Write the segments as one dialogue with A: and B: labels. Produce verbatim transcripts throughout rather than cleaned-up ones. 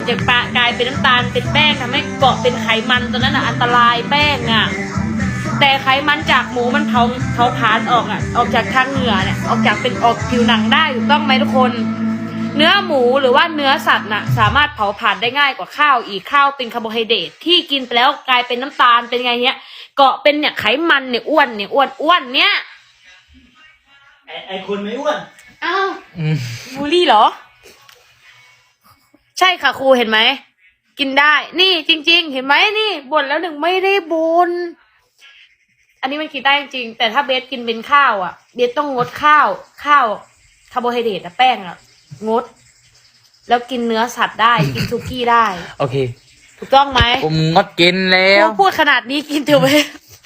A: จะปะกลายเป็นน้ำตาลเป็นแป้งทำให้เกาะเป็นไขมันตัวนั้นอ่ะอันตรายแป้งอ่ะแต่ไขมันจากหมูมันเผาเผาผลาญออกอ่ะออกจากทางเหงื่อเนี่ยออกจากเป็นออกผิวหนังได้ถูกต้องไหมทุกคนเนื้อหมูหรือว่าเนื้อสัตว์น่ะสามารถเผาผลาญได้ง่ายกว่าข้าวอีกข้าวเป็นคาร์โบไฮเดรตที่กินไปแล้วกลายเป็นน้ำตาลเป็นไงเนี้ยเกาะเป็นเนี่ยไขมันเนี่ยอ้วนเนี่ยอ้วนอ้วนเนี่ย
B: ไอไอคนไม่อ้วน
A: อ้าวบูลลี่เหรอใช่ค่ะครูเห็นไหมกินได้นี่จริงๆเห็นไหมนี่บ่นแล้วหนึ่งไม่ได้บ่นอันนี้มันกินได้จริงแต่ถ้าเบสกินเป็นข้าวอ่ะเบสต้องงดข้าวข้าวคาร์โบไฮเดรตอะแป้งอ่ะงดแล้วกินเนื้อสัตว์ได้กินซุกี้ได้
C: โอเค
A: ถูกต้องไหม
C: ผมงดกินแล้ว
A: พูดขนาดนี้กินเถอะเบส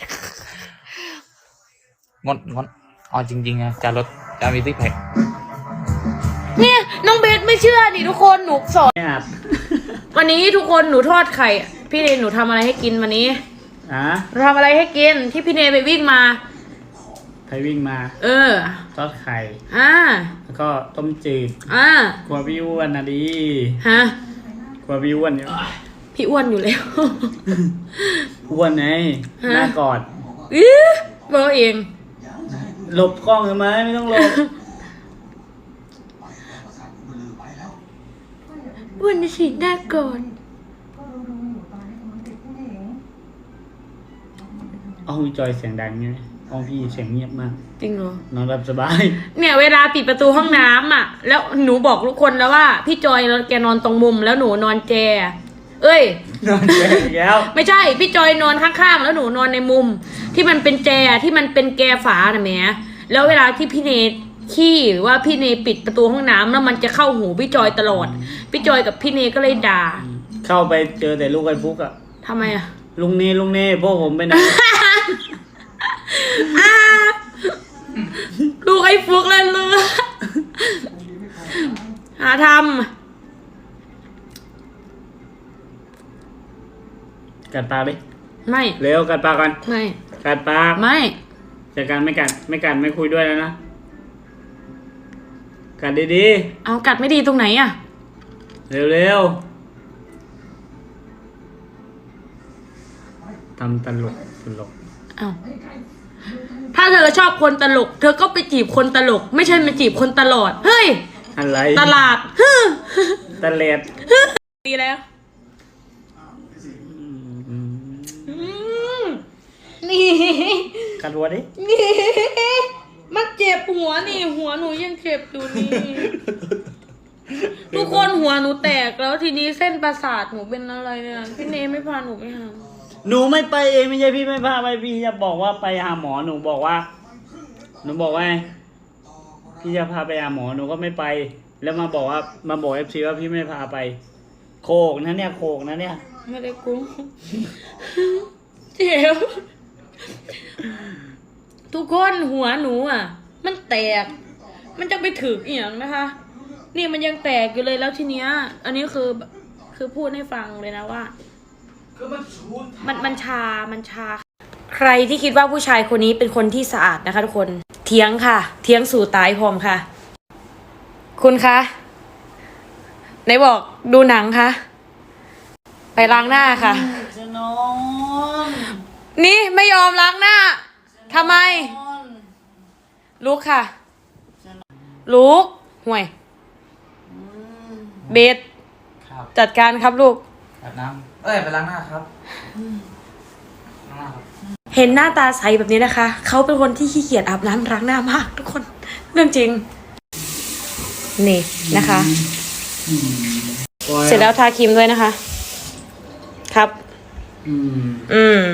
C: งดงดอ๋อจริงๆนะจะลดจะมีซิกแพค
A: เนี่ยน้องเบสไม่เชื่อนี่ทุกคนหนูสอนวันนี้ทุกคนหนูทอดไข่พี่เนยหนูทำอะไรให้กินวันนี้
B: อ่ะ
A: หนูทำอะไรให้กินที่พี่เนยไปวิ่งมา
B: ไปวิ่งมา
A: เออ
B: ทอดไข่
A: อ่า
B: แล้วก็ต้มจืด
A: อ่
B: ากลัวพี่อ้วนนะดี
A: ฮะ
B: กลัวพี่อ้วนอยู่
A: พี่อ้วนอยู่แล้ว
B: อ้วนไงหน้ากอด
A: อื้อเบอร์เอง
B: หลบกล้องทำไมไม่ต้องหลบ
A: อ้วนสิหน้ากอด
B: ห้องจอยเสียงดังไงห้องพี่เสียงเงียบมาก
A: จริงเหรอน
B: อนหลับสบาย
A: เนี่ยเวลาปิดประตูห้องน้ำอ่ะแล้วหนูบอกทุกคนแล้วว่าพี่จอยแกนอนตรงมุมแล้วหนูนอนแจเอ้ย
B: นอนแจแล้ว
A: ไม่ใช่พี่จอยนอนข้างๆแล้วหนูนอนในมุมที่มันเป็นแจที่มันเป็นแกฝาน่ะแหมแล้วเวลาที่พี่เนทขี้หรือว่าพี่เนปิดประตูห้องน้ำแล้วมันจะเข้าหูพี่จอยตลอดพี่จอยกับพี่เนก็เลยด่า
B: เข้าไปเจอแต่ลูกไอ้ฟุกอะ
A: ทำไมอะ
B: ลุงเนลุงเนพวกผมไปไหน
A: ลูกไอ้ฟุกเลยเลยหาท
B: ำกัดปากดิ
A: ไม่
B: เร็วกัดปากกัน
A: ไม่
B: กัดปาก
A: ไม่
B: จัดการไม่กัดไม่กัดไม่คุยด้วยแล้วนะกัดดี
A: ๆเอากัดไม่ดีตรงไหนอะ
B: เร็วๆทำตลกตลก
A: เอาถ้าเธอชอบคนตลกเธอก็ไปจีบคนตลกไม่ใช่มาจีบคนตลอดเฮ้ย
B: อะไร
A: ตลาด
B: ตะเล็ด
A: ดีแล้วนี่
B: กัดหัวดิ
A: นี่มันเจ็บหัวนี่หัวหนูยังเจ็บอยู่นี่ทุกคนหัวหนูแตกแล้วทีนี้เส้นประสาทหนูเป็นอะไรเนี่ยพี่เนไม่พาหนูไปหา
B: หนูไม่ไปเองไม่ใช่พี่ไม่พาไปพี่จะบอกว่าไปหาหมอหนูบอกว่าหนูบอกว่าพี่จะพาไปหาหมอหนูก็ไม่ไปแล้วมาบอกว่ามาบอกเอฟซีว่าพี่ไม่พาไปโคกนะเนี่ยโคกนะเนี่ย
A: ไม่ได้กุ้งเจ็บทุกคนหัวหนูอ่ะมันแตกมันจะไปถึกเอียงนะคะนี่มันยังแตกอยู่เลยแล้วทีเนี้ยอันนี้คือคือพูดให้ฟังเลยนะว่ามันมันชามันชาใครที่คิดว่าผู้ชายคนนี้เป็นคนที่สะอาดนะคะทุกคนเถียงค่ะเถียงสู่ตายพร้อมค่ะคุณคะไหนบอกดูหนังคะไปล้างหน้าค่ะนี่ไม่ยอมล้างหน้าทำไมลุกค่ะลุกห่วยเบสจัดการครับลูก
C: อาบน้ำเอ้ยไปล้างหน้าครับล้างหน้าครับ
A: เห็นหน้าตาใสแบบนี้นะคะเขาเป็นคนที่ขี้เกียจอาบน้ำล้างหน้ามากทุกคนเรื่องจริงนี่นะคะเสร็จแล้วทาครีมด้วยนะคะครับ
B: อืม
A: อืม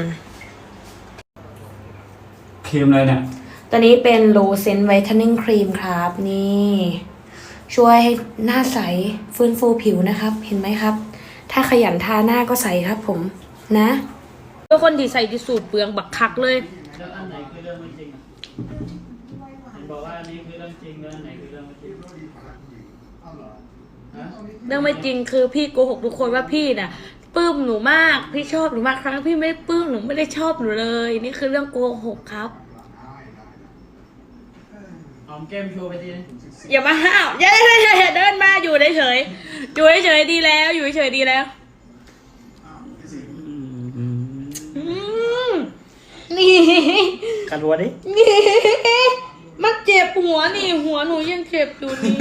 B: ครีมอะไรเนี่ย
A: ตัวนี้เป็น Low Scent Whitening Cream ครับนี่ช่วยให้หน้าใสฟื้นฟูผิวนะครับเห็นไหมครับถ้าขยันทาหน้าก็ใสครับผมนะเป็นคนที่ใส่ที่สูตรเปลืองบักคักเลย
B: แล้วอันไหนคือเรื่องไม่จริงบอกว่าอันนี้คือเรื่องจริงแล้วอันไหนคือเรื่องไม่จริง
A: เรื่องไม่จริงคือพี่โกหกทุกคนว่าพี่น่ะปลื้มหนูมากพี่ชอบหนูมากครั้งพี่ไม่ได้ปลื้มหนูไม่ได้ชอบหนูเลยนี่คือเรื่องโกหกครับ
B: หอมแก้มโชว์ไปทีนึง
A: อย่ามาห้าวอย่าอย่าอย่าอย่าเดินมาอยู่เฉยๆอยู่เฉยๆดีแล้ว อยู่เฉยๆดีแล้วอืมนี่
B: กัดหัวดิ
A: นี่มันเจ็บหัวนี่ หัวหนูยังเจ็บอยู่นี่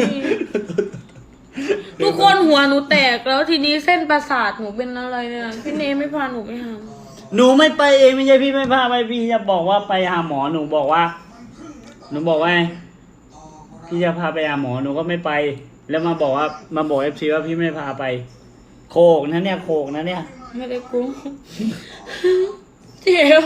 A: ทุกคนหัวหนูแตกแล้วทีนี้เส้นประสาทหนูเป็นอะไรเนี่ยพี่เนไม่พาหนูไปหา
B: หนูไม่ไปเองไม่ใช่พี่ไม่พาไปพี่จะบอกว่าไปหาหมอหนูบอกว่า หนูบอกว่าพี่จะพาไปหาหมอหนูก็ไม่ไป แล้วมาบอกว่ามาบอกเอฟซีว่าพี่ไม่พาไป โคกนะเนี่ยโคกนะเนี่ย
A: ไม่ได้กุ้งเจ็บ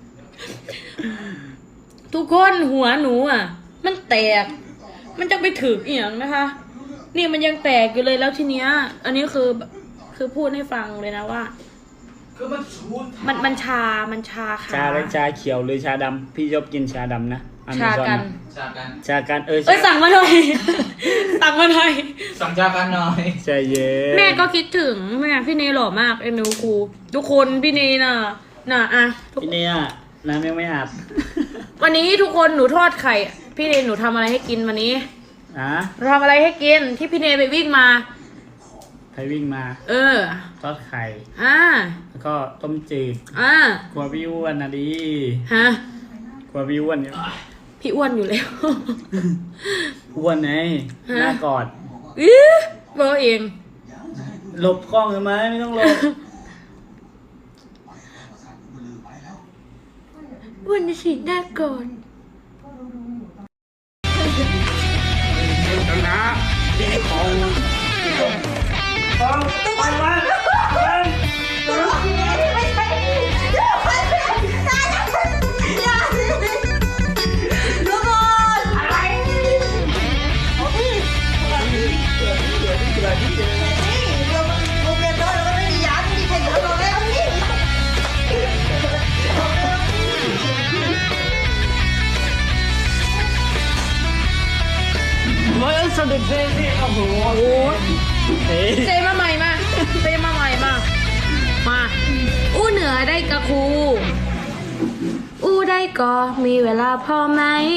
A: ทุกคนหัวหนูอ่ะ มันแตก มันจะไปถึกเอียงนะคะ นี่มันยังแตกอยู่เลยแล้วทีเนี้ย อันนี้คือคือพูดให้ฟังเลยนะว่า
C: คือมันชูด
A: มันมันชา มันชาขา
B: ชาและชาเขียวหรือชาดำพี่ชอบกินชาดำนะอเม
A: ชา
B: ซอ
A: กัน
B: นะ
C: จากกัน
B: ชากันเออ
A: เอ้ยสั่งมาหน่อย สั่งมาหน่อย
C: สั่งจากกันหน่อย
B: ใจเย็น
A: แม่ก็คิดถึงแม่พี่เนหล่อมากเอ็นดูครูทุกคนพี่เนน่ะ น่ะอะทุก
B: พี่เนี่ยน้ำยังไม่อาบ
A: วันนี้ทุกคนหนูทอดไข่ พี่เนหนูทำอะไรให้กินวันนี้
B: อ่ะ
A: หนูทำอะไรให้กินที่พี่เนไปวิ่งมา
B: ใครวิ่งมา
A: เออ
B: ทอดไข่
A: อ่า
B: แล้วก็ต้มจืด
A: อ่าก
B: ลัวพี่อ้วนนะดิ
A: ฮะ
B: กลัวพี่อ้วนเนี่ย
A: พี่อ้วนอยู่แล้ว
B: อ้วนไง
A: ฮะ
B: หน้ากอด
A: อื้อเบอร์เอง
B: หลบกล้องเลยไหมไม่ต้องหลบ
A: อ้วนจะฉีดหน้าก่อน
B: นะดีของของไปมาไป ร้อยสนุกเลยสิโอ้โห
A: โอ้ย
B: เฮ้ย
A: เจมาใหม่มาเจมาใหม่มา มา อู้เหนือได้กะครู อู้ได้ก็มีเวลาพอไหม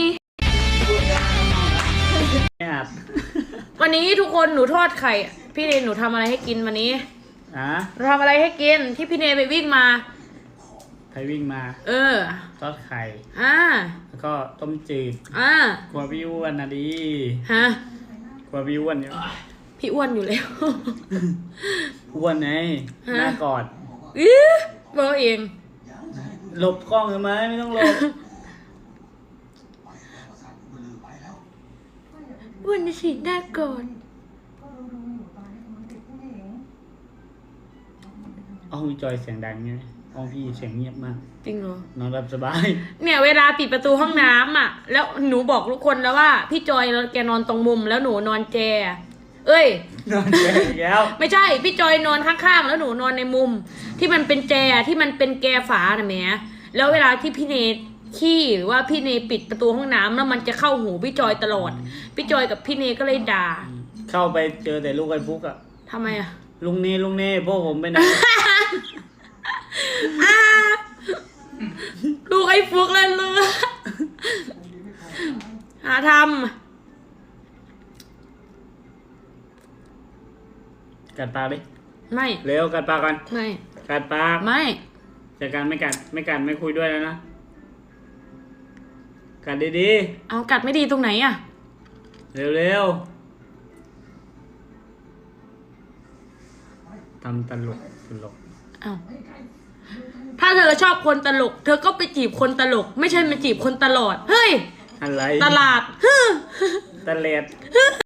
B: ไม่อาบ
A: วันนี้ทุกคนหนูทอดไข่ พี่เนหนูทำอะไรให้กินวันนี้
B: อ่ะ
A: หนูทำอะไรให้กินที่พี่เนไปวิ่งมา
B: ใครวิ่งมา
A: เออ
B: ทอดไข่
A: อ่า
B: แล้วก็ต้มจืด
A: อ่าก
B: ลัวพี่อ้วนนะดิ
A: ฮะ
B: กลัวพี่อ้วนเนี่ย
A: พี่อ้วนอยู่แล้ว
B: อ้วนไง
A: ฮะ
B: หน้ากอด
A: อื้อเบอร์เอง
B: หลบกล้องเลยไหมไม่ต้องหลบ
A: อ้วนจะฉีดหน้าก่อน
B: ห้องจอยเสียงดังไงห้องพี่เสียงเงียบมาก
A: จริงเหรอ
B: นอนหลับสบาย
A: เนี่ยเวลาปิดประตูห้องน้ำอ่ะ แล้วหนูบอกทุกคนแล้วว่า พี่จอยแกนอนตรงมุมแล้วหนูนอนแจ เอ้ย
B: นอนแก่อีกแล้ว
A: ไม่ใช่ พี่จอยนอนข้างๆแล้วหนูนอนในมุม ที่มันเป็นแจที่มันเป็นแกฝาน่ะแหมแล้วเวลาที่พี่เนขี้หรือว่าพี่เนปิดประตูห้องน้ำแล้วมันจะเข้าหูพี่จอยตลอด พี่จอยกับพี่เนก็เลยด่า
B: เข้าไปเจอแต่ลูกไอ้ฟุกอะ
A: ทำไมอ่ะ
B: ลุงเน่ลุงเน่พวกผมไปไหน
A: อ้าลูกไอ้ฟุกเลยเลยหาท
B: กัดปากดิ
A: ำไม่
B: เร็วกัดปากกัน
A: ไม่
B: กัดปาก
A: ไม่
B: จากการไม่กัดไม่กัดไม่คุยด้วยแล้วนะ กัดดี
A: เอากัดไม่ดีตรงไหนอ่ะ
B: ๆ เร็วๆทำตลกตลก
A: เอาถ้าเธอชอบคนตลก เธอก็ไปจีบคนตลก ไม่ใช่มาจีบคนตลอด เฮ้ย
B: อะไร
A: ตลาดฮึ
B: ตะเล็ด